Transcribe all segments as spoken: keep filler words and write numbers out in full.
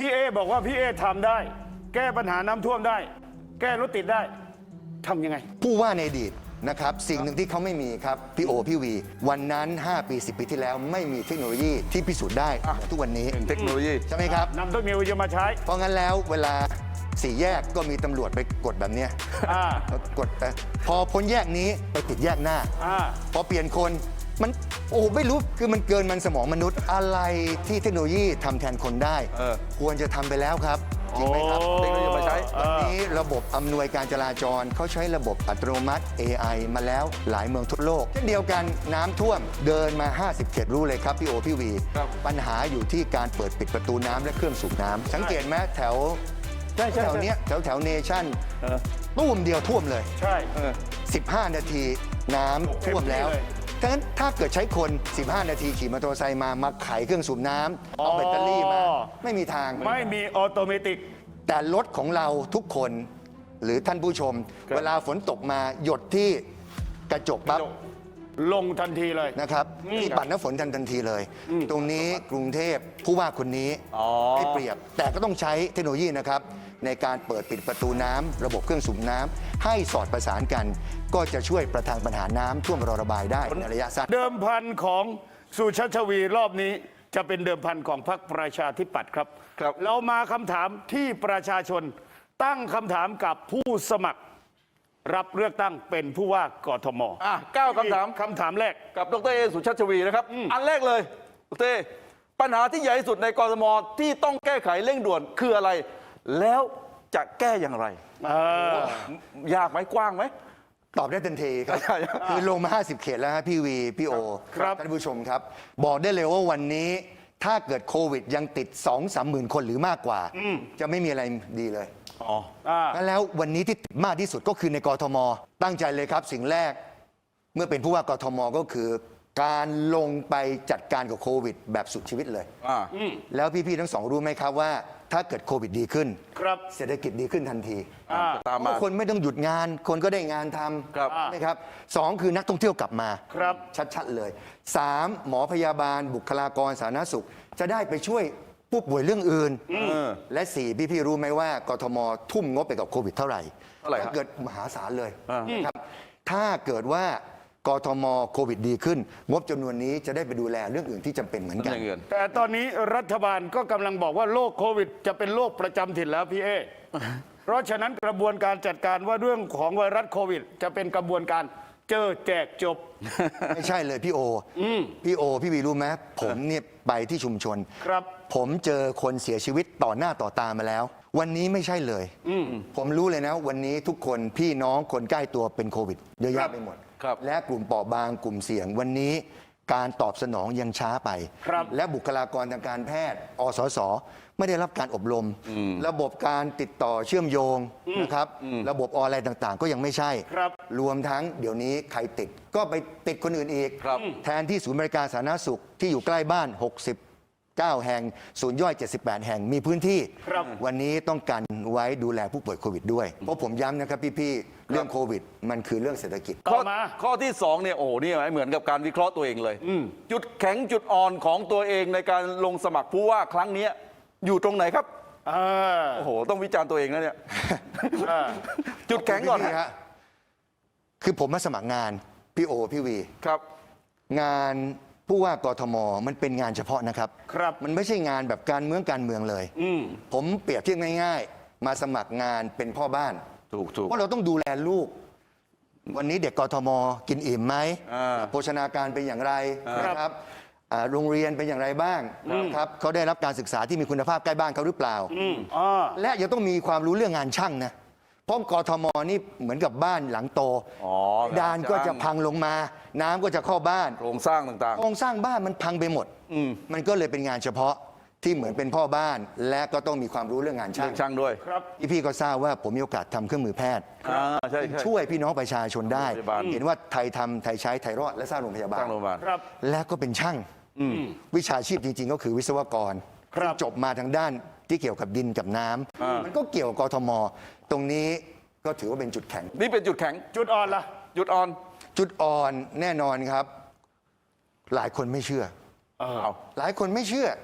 พี่เอบอกว่าพี่เอทำได้ แก้ปัญหาน้ำท่วมได้ แก้รถติดได้ทำยังไงผู้ว่าในอดีตนะครับสิ่งหนึ่งที่เขาไม่มีครับพี่โอพี่วีวันนั้นห้าปีสิบปีที่แล้วไม่มีเทคโนโลยีที่พิสูจน์ได้เหมือนทุกวันนี้เทคโนโลยีใช่ไหมครับนำเทคโนโลยีมาใช้เพราะงั้นแล้วเวลาสี่แยกก็มีตำรวจไปกดแบบเนี้ยกดไปพอพ้นแยกนี้ไปติดแยกหน้าพอเปลี่ยนคนมันโอ้ไม่รู้คือมันเกินมันสมองมนุษย์อะไรที่เทคโนโลยีทำแทนคนได้ควรจะทำไปแล้วครับจริงไหมครับเทคโนโลยีมาใช้วันนี้ระบบอำนวยการจราจรเขาใช้ระบบอัตโนมัติ เอ ไอ มาแล้วหลายเมืองทั่วโลกเช่นเดียวกันน้ำท่วมเดินมาห้าสิบเขตรู้เลยครับพี่โอพี่วีปัญหาอยู่ที่การเปิดปิดประตูน้ำและเครื่องสูบน้ำสังเกตไหมแถวแถวเนี้ยแถวแถวเนชั่นตู้มเดียวท่วมเลยใช่สิบห้านาทีน้ำท่วมแล้วดังนั้นถ้าเกิดใช้คนสิบห้านาทีขี่มอเตอร์ไซค์มามาไขเครื่องสูบน้ำเอาแบตเตอรี่มาไม่มีทางไม่มีออโตเมติกแต่รถของเราทุกคนหรือท่านผู้ชมเวลาฝนตกมาหยดที่กระจกปั๊บลงทันทีเลยนะครับที่ปัดน้ำฝนทันทันทีเลย ตรงนี้กรุงเทพผู้ว่าคนนี้ไม่เปรียบแต่ก็ต้องใช้เทคโนโลยีนะครับในการเปิดปิดประตูน้ำระบบเครื่องสูบน้ำให้สอดประสานกัน ก็จะช่วยประทังปัญหาน้ำท่วมรอระบายได้ในระยะสั้นเดิมพันของสุชาติชวีรอบนี้จะเป็นเดิมพันของพรรคประชาธิปัตย์ครับเรามาคำถามที่ประชาชนตั้งคำถามกับผู้สมัครรับเลือกตั้งเป็นผู้ว่ากทมอ่ะเก้าคำถามคำถามแรกกับดรเอสุชาติชวีนะครับอันแรกเลยดรเอปัญหาที่ใหญ่ที่สุดในกทมที่ต้องแก้ไขเร่งด่วนคืออะไรแล้วจะแก้อย่างไรยากไหมกว้างไหมตอบได้ทันทีครับคือลงมาห้าสิบเขตแล้วฮะพี่วีพี่โอท่านผู้ชมครับบอกได้เลยว่าวันนี้ถ้าเกิดโควิดยังติด สองสามหมื่นคนหรือมากกว่าจะไม่มีอะไรดีเลยอ๋อแล้ววันนี้ที่ติดมากที่สุดก็คือในกทมตั้งใจเลยครับสิ่งแรกเมื่อเป็นผู้ว่ากทมก็คือการลงไปจัดการกับโควิดแบบสุดชีวิตเลยแล้วพี่ๆทั้งสองรู้ไหมครับว่าถ้าเกิดโควิดดีขึ้นเศรษฐกิจดีขึ้นทันทีคนไม่ต้องหยุดงานคนก็ได้งานทำนะครับสองคือนักท่องเที่ยวกลับมาชัดๆเลยสามหมอพยาบาลบุคลากรสาธารณสุขจะได้ไปช่วยผู้ป่วยเรื่องอื่นและสี่พี่ๆรู้ไหมว่ากทมทุ่มงบไปกับโควิดเท่าไหร่ถ้าเกิดมหาศาลเลยนะครับถ้าเกิดว่ากทมโควิดดีขึ้นงบจำนวนนี้จะได้ไปดูแลเรื่องอื่นที่จำเป็นเหมือนกันแต่ตอนนี้รัฐบาลก็กำลังบอกว่าโรคโควิดจะเป็นโรคประจำถิ่นแล้วพี่เอเพราะฉะนั้นกระบวนการจัดการว่าเรื่องของไวรัสโควิดจะเป็นกระบวนการเจอแจกจบไม่ใช่เลยพี่โอพี่โอพี่วีรู้ไหมผมเนี่ยไปที่ชุมชนครับผมเจอคนเสียชีวิตต่อหน้าต่อตามาแล้ววันนี้ไม่ใช่เลยผมรู้เลยนะวันนี้ทุกคนพี่น้องคนใกล้ตัวเป็นโควิดเยอะแยะไปหมดและกลุ่มเปราะบางกลุ่มเสี่ยงวันนี้การตอบสนองยังช้าไปและบุคลากรทางการแพทย์อสสไม่ได้รับการอบรมระบบการติดต่อเชื่อมโยงนะครับระบบออนไลน์ต่างๆก็ยังไม่ใช่รวมทั้งเดี๋ยวนี้ใครติดก็ไปติดคนอื่นอีกแทนที่ศูนย์บริการสาธารณสุขที่อยู่ใกล้บ้านหกสิบเก้าแห่งศูนย์ย่อยเจ็ดสิบแปดแห่งมีพื้นที่วันนี้ต้องการไว้ดูแลผู้ป่วยโควิดด้วยเพราะผมย้ำนะครับพี่ๆเรื่องโควิดมันคือเรื่องเศรษฐกิจข้อข้อที่สองเนี่ยโอ้นี่เหมือนกับการวิเคราะห์ตัวเองเลยจุดแข็งจุดอ่อนของตัวเองในการลงสมัครผู้ว่าครั้งนี้อยู่ตรงไหนครับโอ้โหต้องวิจารณ์ตัวเองนะเนี่ยจุดแข็งก่อนฮะคือผมมาสมัครงานพี่โอพี่วีครับงานผู้ว่ากทมมันเป็นงานเฉพาะนะครับครับมันไม่ใช่งานแบบการเมืองการเมืองเลยผมเปรียบเทียบง่ายๆมาสมัครงานเป็นพ่อบ้านถูกถูกเพราะเราต้องดูแลลูกวันนี้เด็กกทมกินอิ่มไหมโภชนาการเป็นอย่างไรนะครับโรงเรียนเป็นอย่างไรบ้างครับเขาได้รับการศึกษาที่มีคุณภาพใกล้บ้านเขาหรือเปล่าและยังต้องมีความรู้เรื่องงานช่างนะเพราะกทมนี่เหมือนกับบ้านหลังโตดานก็จะพังลงมาน้ำก็จะเข้าบ้านโครงสร้างต่างๆโครงสร้างบ้านมันพังไปหมดมันก็เลยเป็นงานเฉพาะที่เหมือนเป็นพ่อบ้านและก็ต้องมีความรู้เรื่องงานช่างช่างด้วยพี่พี่ก็ทราบว่าผมมีโอกาสทำเครื่องมือแพทย์ช่วยพี่น้องประชาชนได้เห็นว่าไทยทำไทยใช้ไทยรอดและสร้างโรงพยาบาลและก็เป็นช่างวิชาชีพจริงๆก็คือวิศวกรจบมาทางด้านที่เกี่ยวกับดินกับน้ำมันก็เกี่ยวกับกทมตรงนี้ก็ถือว่าเป็นจุดแข็งนี่เป็นจุดแข็งจุดอ่อนล่ะจุดอ่อนจุดอ่อนแน่นอนครับหลายคนไม่เชื่อหลายคนไม่เชื่อ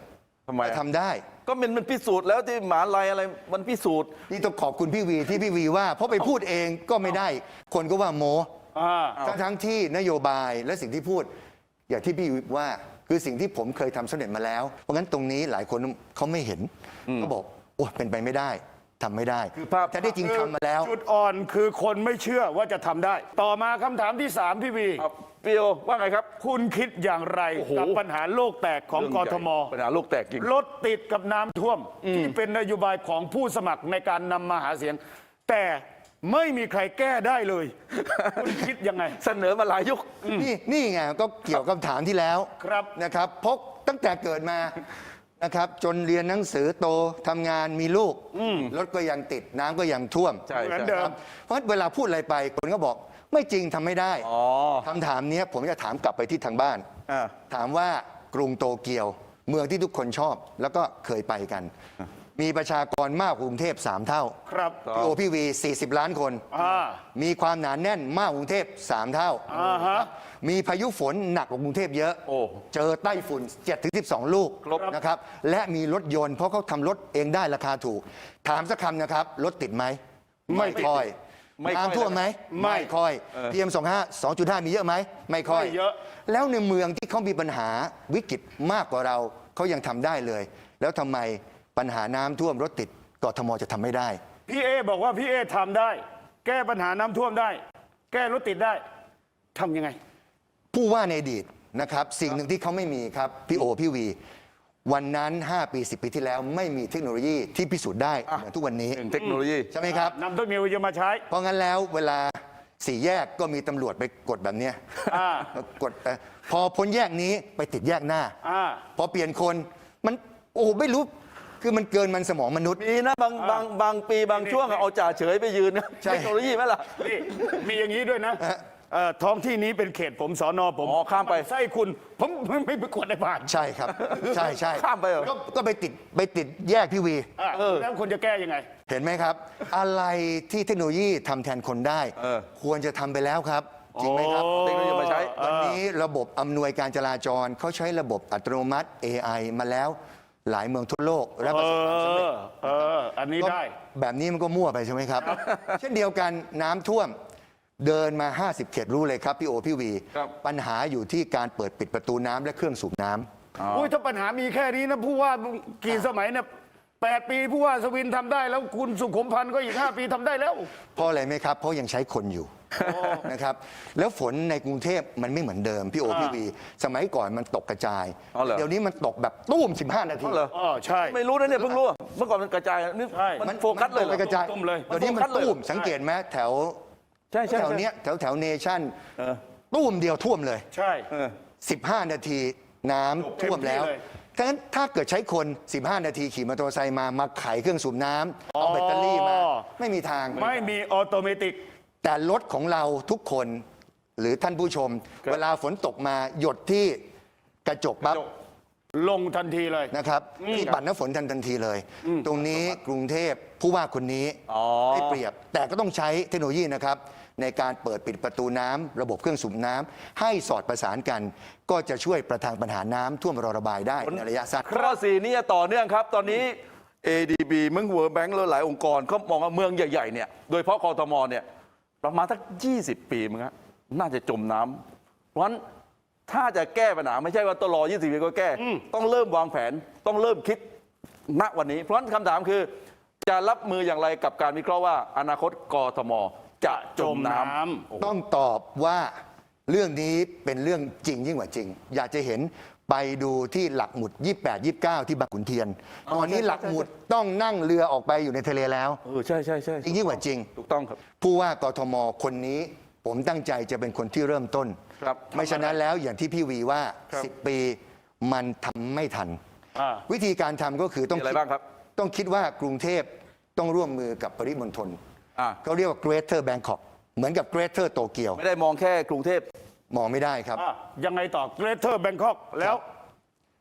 ทำไมทำได้ก็มันมันพิสูจน์แล้วที่มหาลัยอะไรมันพิสูจน์นี่ต้องขอบคุณพี่วีที่พี่วีว่า เพราะไปพูดเองก็ไม่ได้ คนก็ว่าโมอ่าทั้งทั้งที่นโยบายและสิ่งที่พูด อย่างที่พี่วีว่าคือสิ่งที่ผมเคยทำสำเร็จมาแล้ว เพราะงั้นตรงนี้หลายคนเขาไม่เห็นเขาบอกโอ้เป็นไปไม่ได้ทำไม่ได้คือภาพแต่ได้จริงทำมาแล้วจุดอ่อนคือคนไม่เชื่อว่าจะทำได้ ต่อมาคำถามที่สามพี่วีครับพี่โอว่าไงครับคุณคิดอย่างไรโอ้โหกับปัญหาโลกแตกของกทมปัญหาโลกแตกจริงรถติดกับน้ำท่วม ที่เป็นนโยบายของผู้สมัครในการนำมาหาเสียง แต่ไม่มีใครแก้ได้เลย คุณคิดยังไงเสนอมาหลายยุคนี่นี่ไงก็เกี่ยวกับคำถามที่แล้วครับนะครับเพราะตั้งแต่เกิดมานะครับ จนเรียนหนังสือโตทำงานมีลูกรถก็ยังติดน้ำก็ยังท่วมใช่เหมือนใช่เดิคมรับเพราะเวลาพูดอะไรไปคนก็บอกไม่จริงทำไม่ได้อ๋อคำถามเนี้ยผมจะถามกลับไปที่ทางบ้านอ่าถามว่ากรุงโตเกียว เมืองที่ทุกคนชอบ แล้วก็เคยไปกัน มีประชากรมากกว่ากรุงเทพสามเท่าครับพี่โอพี่วี40 ล้านคนอ่ามีความหนาแน่นมากกว่ากรุงเทพสามเท่าอ่าฮะมีพายุฝนหนักกว่ากรุงเทพเยอะโอ้เจอไต้ฝุ่น เจ็ดถึงสิบสอง ลูกครบนะครับ และมีรถยนต์เพราะเขาทำรถเองได้ราคาถูก ถามสักคำนะครับ รถติดไหมไม่ติดค่อยไม่ค่อยน้ำท่วมไหมไม่ค่อยเออพี เอ็ม สองจุดห้า สองจุดห้า มีเยอะไหม ไม่ค่อยไม่เยอะแล้วในเมืองที่เขามีปัญหาวิกฤตมากกว่าเรา เขายังทำได้เลย แล้วทำไมปัญหาน้ำท่วมรถติดกทมจะทำไม่ได้พี่เอบอกว่าพี่เอทำได้ แก้ปัญหาน้ำท่วมได้ แก้รถติดได้ทำยังไงผู้ว่าในอดีตนะครับ สิ่งหนึ่งที่เขาไม่มีครับ พี่โอ พี่วี วันนั้น ห้า ปี สิบ ปีที่แล้ว ไม่มีเทคโนโลยีที่พิสูจน์ได้เหมือนทุกวันนี้หนึ่งเทคโนโลยีใช่ไหมครับนำเทคโนโลยีมาใช้เพราะงั้นแล้วเวลาสี่แยกก็มีตำรวจไปกดแบบเนี้ยอ่ากดเอ่อพอพ้นแยกนี้ไปติดแยกหน้าอ่าพอเปลี่ยนคนมันโอ้โหไม่รู้คือมันเกินมันสมองมนุษย์มีนะบางบางบางปีบางช่วงอะเอาจ่าเฉยไปยืนนะใช่เทคโนโลยีไหมล่ะนี่มีอย่างนี้ด้วยนะเอ่อท้องที่นี้เป็นเขตผมสอนอผมอ๋อข้ามไปไส้คุณผมไม่ไม่ไปกดในผ่านใช่ครับ ใช่ใช่ข้ามไปเหรอก็ก็ไปติดไปติดแยกพี่วีอ่ะแล้วคุณจะแก้ยังไงเห็นไหมครับ อะไรที่เทคโนโลยีทำแทนคนได้เออควรจะทำไปแล้วครับจริงไหมครับเทคโนโลยีมาใช้วันนี้ระบบอำนวยการจราจรเขาใช้ระบบอัตโนมัติ เอ ไอ มาแล้วหลายเมืองทั่วโลกและประสบความสำเร็จเออ อันนี้ได้ก็แบบนี้มันก็มั่วไปใช่ไหมครับ เช่นเดียวกันน้ำท่วมเดินมา ห้าสิบ เขตรู้เลยครับ พี่โอ พี่วีครับปัญหาอยู่ที่การเปิดปิดประตูน้ำและเครื่องสูบน้ำอุ้ยถ้าปัญหามีแค่นี้นะผู้ว่ากี่สมัยเนี่ยแปดปีผู้ว่าสวินทำได้แล้วคุณสุขุมพันธ์ก็อีกห้าปีทำได้แล้วเพราะอะไรไหมครับ เพราะยังใช้คนอยู่นะครับ แล้วฝนในกรุงเทพมันไม่เหมือนเดิม พี่โอ พี่วี สมัยก่อนมันตกกระจายอ๋อเหรอเดี๋ยวนี้มันตกแบบตุ้ม สิบห้า นาทีอ๋อเหรออ๋อใช่ไม่รู้นะเนี่ยเพิ่งรู้เมื่อก่อนมันกระจายนี่ใช่มันโฟกัสเลยเหรไปอกระจายตุ้มเลยเดี๋ยวนี้มันโฟกัสเลยตุ้มสังเกตไหมแถวใช่ใช่แถวใช่เนี้ยแถวแถวเนชั่นเออตุ้มเดียวท่วมเลยใช่เออสิบห้า นาทีน้ำท่วมแล้วเต็มที่เลยถ้างั้นถ้าเกิดใช้คน สิบห้า นาทีขี่มอเตอร์ไซค์มา มาไขเครื่องสูบน้ำเอาแบตเตอรี่มา ไม่มีทางไม่มีออโตเมติกแต่รถของเราทุกคนหรือท่านผู้ชมครับเวลาฝนตกมาหยดที่กระจกปั๊บลงทันทีเลยนะครับที่ปัดน้ำฝนทันทันทีเลย ตรงนี้กรุงเทพผู้ว่าคนนี้อ๋อได้เปรียบ แต่ก็ต้องใช้เทคโนโลยีนะครับ ในการเปิดปิดประตูน้ำระบบเครื่องสูบน้ำให้สอดประสานกัน ก็จะช่วยประทังปัญหาน้ำท่วมรอระบายได้ในระยะสั้นข้อสี่นี่ต่อเนื่องครับ ตอนนี้ เอ ดี บี เมืองเวิร์แบงก์และหลายองค์กรเขามองว่าเมืองใหญ่ๆเนี่ยโดยเฉพาะกทมเนี่ยประมาณสักยี่สิบปีมั้งฮะน่าจะจมน้ำเพราะฉะนั้นถ้าจะแก้ปัญหาไม่ใช่ว่าต้องรอยี่สิบปีก็แก้ ต้องเริ่มวางแผนต้องเริ่มคิดณวันนี้ เพราะฉะนั้นคำถามคือ จะรับมืออย่างไรกับการวิเคราะห์ว่าอนาคตกทมจะจมน้ำต้องตอบว่าเรื่องนี้เป็นเรื่องจริงยิ่งกว่าจริง อยากจะเห็นไปดูที่หลักหมุด ยี่สิบแปด ยี่สิบเก้า ที่บางขุนเทียนอ๋อตอนนี้ใช่ใช่หลักหมุดต้องนั่งเรือออกไปอยู่ในทะเลแล้วเออใช่ใช่ใช่จริงยิ่งกว่าจริงถูกต้องครับผู้ว่ากทมคนนี้ผมตั้งใจจะเป็นคนที่เริ่มต้นครับไม่ฉะนั้นแล้วอย่างที่พี่วีว่าครับสิบ ปีมันทำไม่ทันอ่าวิธีการทำก็คือต้องมีอะไรคิดบ้างครับต้องคิดว่ากรุงเทพต้องร่วมมือกับปริมณฑลอ่าเขาเรียกว่า Greater Bangkok เหมือนกับ Greater Tokyo ไม่ได้มองแค่กรุงเทพมองไม่ได้ครับอ่ะยังไงต่อเกรเทอร์แบงคอกแล้ว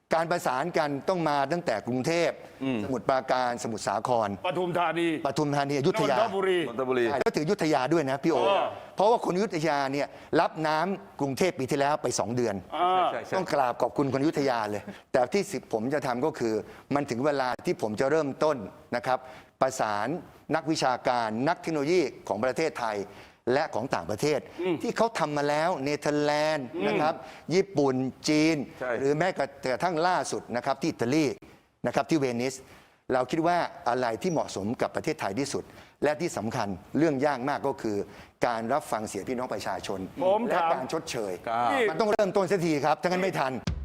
การประสานกันต้องมาตั้งแต่กรุงเทพสมุทรปราการสมุทรสาครปทุมธานีปทุมธานีอยุธยานนทบุรีนนทบุรีใช่แล้วถึงอยุธยาด้วยนะพี่โอเออเพราะว่าคนอยุธยาเนี่ยรับน้ำกรุงเทพปีที่แล้วไปสองเดือนอ่าใช่ใช่ต้องกราบขอบคุณคนอยุธยาเลย แต่ที่สิผมจะทำก็คือ มันถึงเวลาที่ผมจะเริ่มต้นนะครับ ประสานนักวิชาการนักเทคโนโลยีของประเทศไทยและของต่างประเทศ ที่เขาทำมาแล้วเนเธอร์แลนด์นะครับ ญี่ปุ่นจีนใช่หรือแม้กระทั่งล่าสุดนะครับที่อิตาลีนะครับที่เวนิส เราคิดว่าอะไรที่เหมาะสมกับประเทศไทยที่สุด และที่สำคัญเรื่องยากมากก็คือ การรับฟังเสียงพี่น้องประชาชนผมและถามการชดเชยครับมันต้องเริ่มต้นเสียทีครับถ้างั้นไม่ทัน